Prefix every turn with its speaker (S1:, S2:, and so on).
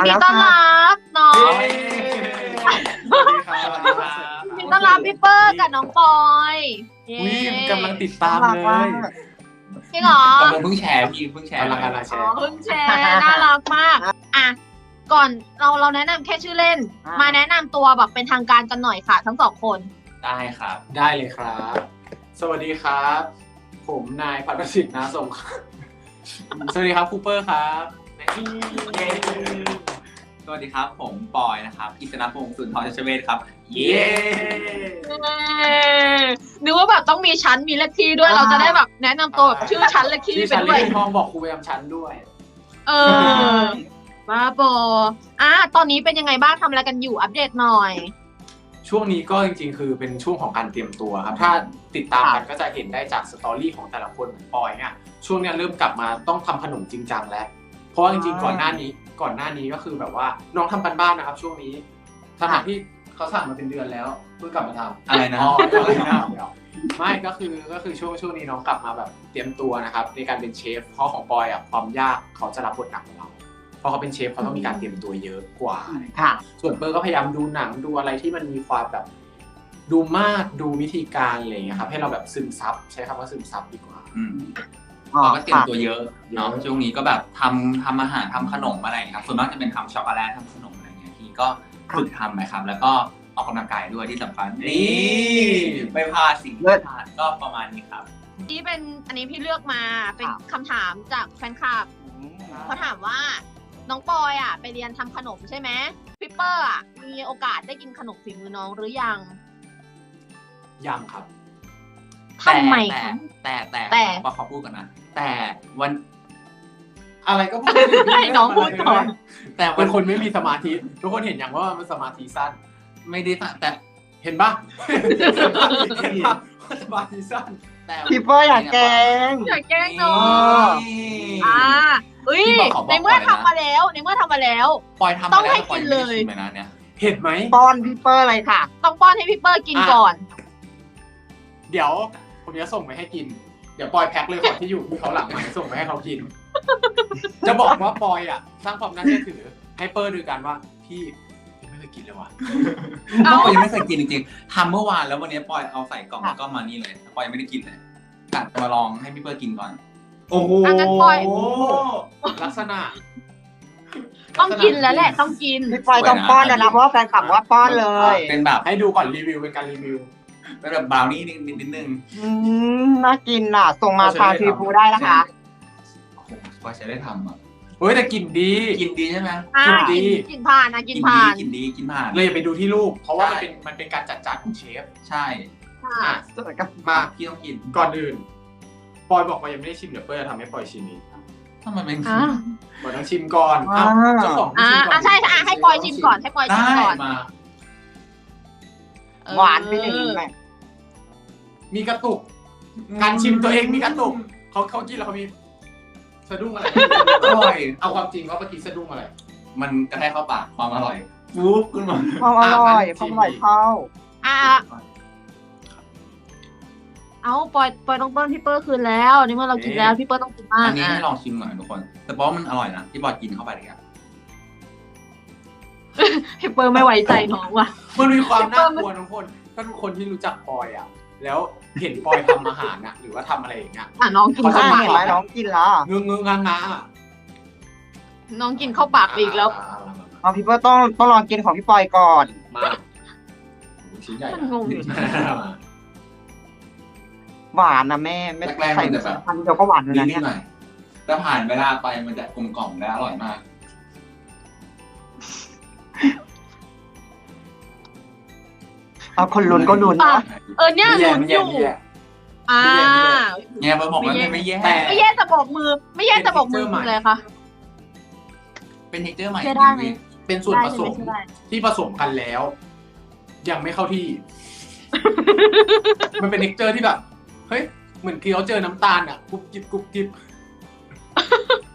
S1: ดีต้อนรับน้องยินดีต้อนรับพี่เปิ้ลกับน้องปอย
S2: กำลังติดตามเลย
S1: จริงเหรอก
S3: ำลังเพิ่งแชร์พี่เพิ่งแชร์
S2: กำลังแชร์
S1: เพิ่งแชร์น่ารักมากอ่ะก่อนเราแนะนำแค่ชื่อเล่นมาแนะนำตัวแบบเป็นทางการกันหน่อยค่ะทั้งสองคน
S3: ได้ครับ
S2: ได้เลยครับสวัสดีครับผมนายพัฒสิทธิ์นาสงสวัสดีครับคูเปอร์ครับ
S3: สวัสดีครับผมปอยนะครับกิษณพงศ์สุนทรชเวชครับเย้
S1: นึกว่าแบบต้องมีชั้นมีเลขที่ด้วยเราจะได้แบบแนะนำตัวแบบชื่อชั้นเลขที่
S2: ไปด้วยทองบอกครูประจำชั้นด้วย
S1: บ้าบอตอนนี้เป็นยังไงบ้างทำอะไรกันอยู่อัปเดตหน่อย
S2: ช่วงนี้ก็จริงๆคือเป็นช่วงของการเตรียมตัวครับถ้าติดตามกันก็จะเห็นได้จากสตอรี่ของแต่ละคนเหมือนปอยเนี่ยช่วงนี้เริ่มกลับมาต้องทำขนมจริงจังแล้วเพราะจริงๆก่อนหน้านี้ก็คือแบบว่าน้องทำกันบ้านนะครับช่วงนี้ขณะที่เขาสั่งมาเป็นเดือนแล้วเพิ่งกลับมาทำ
S3: อะไรนะ
S2: ไม่ก็คือช่วงนี้น้องกลับมาแบบเตรียมตัวนะครับในการเป็นเชฟเพราะของปอยอ่ะความยากเขาจะรับบทหนักของเราเพราะเขาเป็นเชฟเขาต้องมีการเตรียมตัวเยอะกว่าส่วนเปิ้ลก็พยายามดูหนังดูอะไรที่มันมีความแบบดูมากดูวิธีการอะไรอย่างเงี้ยครับให้เราแบบซึมซับใช้คำว่าซึมซับดีกว่า
S3: เราก็เตรียมตัวเยอะเนาะช่วงนี้ก็แบบทำอาหารทำขนมอะไรครับส่วนมากจะเป็นทำช็อกโกแลตทำขนมอะไรเงี้ยที่ก็ฝึกทำนะครับแล้วก็ออกกำลังกายด้วยที่สำคัญนี่ไม่พลาดสิ่งที่พลาดก็ประมาณนี้ครับ
S1: นี่เป็นอันนี้พี่เลือกมาเป็นคำถามจากแฟนคลับเขาถามว่าน้องปอยไปเรียนทำขนมใช่ไหมพี่เปอร์มีโอกาสได้กินขนมฝีมือน้องหรือยัง
S2: ครับ
S1: ทำไม
S3: แต่ขอพูดก่อนนะแต่วัน
S2: อะไรก็พูด
S1: ให้น้องพูดก่อน
S2: แต่เป็นคนไม่มีสมาธิทุกคนเห็นอย่างว่ามันสมาธิสั้น
S3: ไม่ได้แต่
S2: เห็นปะสมาธิสั้น
S4: แต่พี่เปิ้ลอยากแกล้ง
S1: น้องในเมื่อทำมาแล้ว
S3: ปอยทำ
S1: ต้องให้กินเลย
S2: เห็นไหม
S4: ป้อนพี่เปิ้ลอะไรค่ะ
S1: ต้องป้อนให้พี่เปิ้ลกินก่อน
S2: เดี๋ยวผมจะส่งไปให้กินเดี๋ยวปอยแพ็คเลยของที่อยู่ที่เขาหลังมาส่งไปให้เขากินจะบอกว่าปอยสร้างความน่าเชื่อถือให้เปิ้ลดูกันว่าพี่ไม่เคยกินเลยว่ะ
S3: ปอยยังไม่เคยกินจริงๆทำเมื่อวานแล้ววันนี้ปอยเอาใส่กล่องแล้วก็มานี่เลยปอยไม่ได้กินเลยกะมาลองให้พี่เปิ้ลกินก่อน
S2: โอ้โหลักษณะ
S1: ต้องกินแล้วแหละต้องกิน
S4: พี่ปอยต้องป้อนนะเพราะว่าแฟนคลับว่าป้อนเลย
S3: เป็นแบบ
S2: ให้ดูก่อนรีวิวเป็นการรีวิว
S3: เป็นแบบบราวนี่นิดนึง
S4: น่ากินส่งมาทางทีฟูได้นะคะ
S3: ปอยใช้ได้ทำ
S2: เฮ้ยแต่กินดี
S3: ใช่ไหม
S1: กินดีกินผ่านกินผ่าน
S2: เลยไปดูที่รูปเพราะว่ามันเป็นการจัดจานของเชฟ
S3: ใช่
S2: มา
S3: พี่ต้องกิน
S2: ก่อนอื่นปอยบอกว่ายังไม่ได้ชิมเดี๋ยวเปิ้ลจะทำให้ปอยชิมนี้
S3: ทำไมเป็น
S2: ปอยต้องชิมก่อนเจ้าของชิมก่อน
S1: ใช่ให้ปอยชิมก่อน
S4: หวานไปหนึ่งเลย
S2: มีกระตุกการชิมตัวเองมีกระตุกเขากินแล้วเขามีสะดุ้งอะไร
S3: อร่อย
S2: เอาความจริงว่าเมื่อกี้สะดุ้งอะไร
S3: มันกระแทกเข้าปากความอร่อยฟุ๊บขึ้นมา
S4: ความอร่อยเข้า
S1: เอาปอยต้องต้นพี่เปิ้ลคืนแล้วนี่เมื่อเรากินแล้วพี่เปิ้ลต้องกินมาก
S3: อันนี้ให้ลองชิมหน่อยทุกคนแต่เพราะมันอร่อยนะที่ปอยกินเข้าไปเลย
S1: พี่เปิ้ลไม่ไว้ใจน้องว่ะ
S2: มันมีความน่ากลัวทุกคนถ้าทุกคนที่รู้จักปอยแล้วเห็นปอยทำอาหารหรือว่าทำอะไรอย่างเงี้ย
S1: น้องกิน
S4: เข้าปากเห็นไหมน้องกินแล้ว
S2: งงงา
S1: น้องกินเข้าปากอีกแล้ว
S4: พี่เปิ้ลต้องลองกินของพี่ปอยก่อน
S2: มาชิ้นใหญ่
S1: งง
S4: หวานนะแม่ไม่ใส่แบบพันเดียวก็หวานเลยนะเนี่ย
S3: แต่ผ่านเวลาไปมันจะกลมกล่อมและอร่อยมาก
S4: เอาคนลุ้นก็ลุ้น
S1: เนี่ยลุ้นอยู่
S3: เนี่ยบอกว่าไม่แย่
S1: จะบอกมือเลยค่ะ
S3: เป็นเทคเจอร์ใหม่
S2: เป็นส่วนผสมที่ผสมกันแล้วยังไม่เข้าที่มันเป็นเทคเจอร์ที่แบบเฮ้ยเหมือนเคี้ยวเจอน้ำตาลกรุบกริบ